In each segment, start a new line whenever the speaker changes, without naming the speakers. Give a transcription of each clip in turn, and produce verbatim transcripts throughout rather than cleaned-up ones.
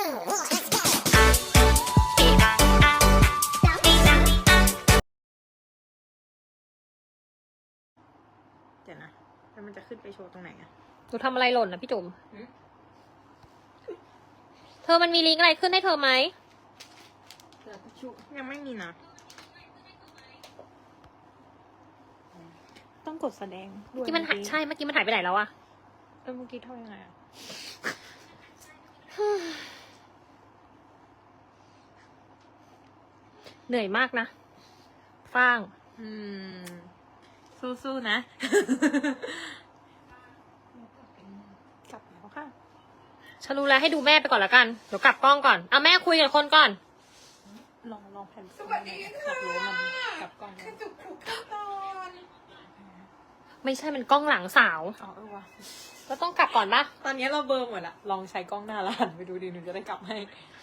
เดี๋ยวนะแล้วมันจะขึ้นไปโชว์ตรงไหนอะ
หนูทำอะไรหล่นนะพี่จุ๋มเธอมันมีลิงก์อะไรขึ้นให้เธอไหม
ยังไม่มีนะต้องกดแสดงด้วย
ที่มันหายใช่เมื่อกี้มันหายไปไหนแล้วอะ
เออเมื่อกี้เท่ายังไงอะ
เหนื่อยมากนะฟ้าง
อืมสู้ๆนะกลับแล้วค่ะ
ฉันรู้แล้วให้ดูแม่ไปก่อนละกันเดี๋ยวกลับกล้องก่อนเอาแม่คุยกับคนก่อน
ลองลองแผ่นสวัสดีค่ะรู้มันกลับกล้องจุกจุกตอน
ไม่ใช่มันกล้องหลังสาว
อ๋อเออว่ะ
ก็ต้องกลับก่อนปะ
ตอนนี้เราเบลอร์หมดละลองใช้กล้องหน้าแล้วหันไปดูดีหนูจะได้กลับให้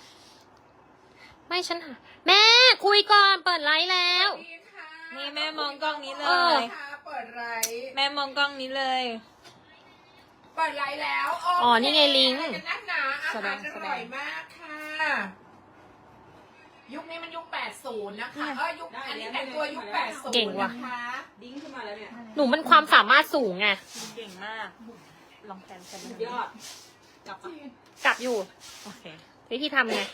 ไม่ฉันหาแม่คุยก่อนเปิดไลฟ์แล้ว
นี่แม่มองกล้องนี้เล
เออ
ย
เปิดไลฟ์
แม่มองกล้องนี้เลย
เปิดไลฟ์แล้ว
อ๋อนี่ไงลิงก์
อะไรกันนักหนาอา
แสด
หารง อ
แสดง
ร่อยมากค่ะ ยุคนี้มันยุคแปดสิบนะคะเออยุคอันนี้แต่งตัวยุคแปดสิบ
เก่งว่ะ
นะคะ
ดิ้งขึ้นมาแล้วเนี่ย
หนูมันความสามารถสูงไง
เก่งมาก ลองแพนกัน
ยอด
กลับอ่ะ
กลับอยู่
โอเค
วิธีทำไง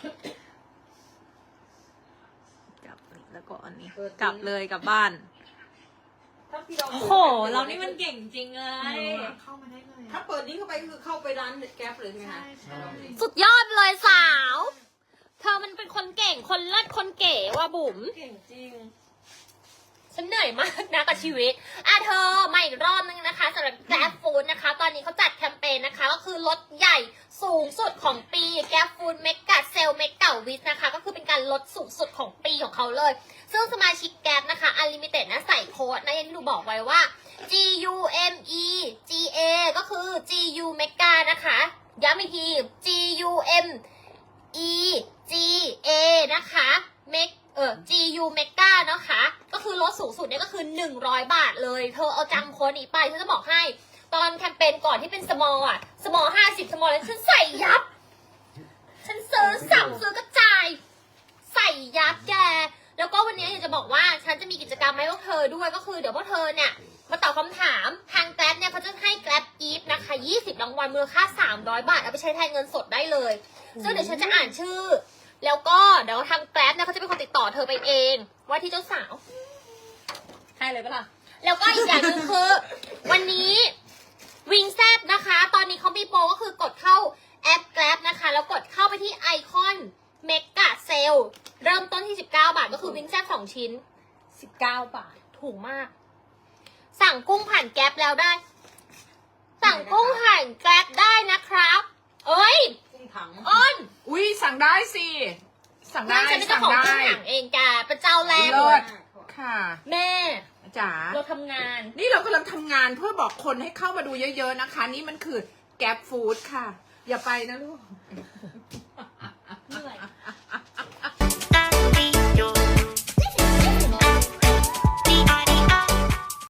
กลับนี่แล้วก็อันนี้ กลับเลยกลับบ้าน
ถ้าพี่เรา
โอ้โห เรานี่มันเก่งจริงเลย
เข้ามาได้เลย
ถ้าเปิดนี้เข้าไปคือเข้าไปร้านแก๊ปเลยใช่ไหมคะ
สุดยอดเลยสาว เธอมันเป็นคนเก่งคนเลิศคนเก๋ว่ะบุ๋ม
เก่งจริง
ฉันเหนื่อยมากนะกับชีวิต อ่ะเธอมาอีกรอบนึงนะคะสำหรับ Grab Food นะคะ ตอนนี้เขาจัดแคมเปญนะคะ ก็คือลดใหญ่สูงสุดของปี Grab Food Mega Sale Mega Week นะคะ ก็คือเป็นการลดสูงสุดของปีของเขาเลย ซึ่งสมาชิก Grab นะคะ Unlimited นะใส่โค้ดนะอย่างที่หนูบอกไว้ว่า G U M E G A ก็คือ G U Mega นะคะย้ำอีกที G U M E G A นะคะ Meg เออ G U Mega นะคะ ก็คือลดสูงสุดเนี่ยก็คือหนึ่งร้อยบาทเลย เธอเอาจำโค้ดนี้ไปฉันจะบอกให้ ตอนแคมเปญก่อนที่เป็น small อ่ะ small ห้าสิบ small เลยฉันใส่ยับ ฉันซื้อสับซื้อกระจาย ใส่ยับแก แล้วก็วันนี้อยากจะบอกว่าฉันจะมีกิจกรรมให้พวกเธอด้วยก็คือเดี๋ยวพวกเธอเนี่ยมาตอบคำถามทาง Grab เนี่ยเขาจะให้ Grab Gift นะคะยี่สิบรางวัลมูลค่าสามร้อยบาทเอาไปใช้แทนเงินสดได้เลยซึ่งเดี๋ยวฉันจะอ่านชื่อ แล้วก็เดี๋ยวทาง Grab เนี่ยเขาจะเป็นคนติดต่อเธอไปเองว่าที่เจ้าสาว
ให้เลยปะล่ะ
แล้วก็อีกอย่างหนึ่งคือ วันนี้วิงแซบนะคะ ตอนนี้เขามีโปรก็คือกดเข้าแอป Grab นะคะ แล้วกดเข้าไปที่ไอคอนเมกะเซลเริ่มต้นที่สิบเก้าบาทก็คือวิงแซบสองชิ้น
สิบเก้าบาท
ถูกมาก สั่งกุ้งผ่านแก๊ปแล้วได้ สั่งกุ้งผ่านแก๊ปได้นะครับ เอ้ย
กุ้งถัง
อ้น
อุ้ยสั่งได้สิ สั่งได้
ฉันเป็นเจ้า
สั่ง
ของ
ได้
กุ้งหางเองจ้าเป็นเจ้าแรก
เลิศค่ะ
แม่
จ๋า
เราทำงาน
นี่เรากำลังทำงานเพื่อบอกคนให้เข้ามาดูเยอะๆนะคะ นี่มันคือแก๊ปฟู้ดค่ะ อย่าไปนะลูก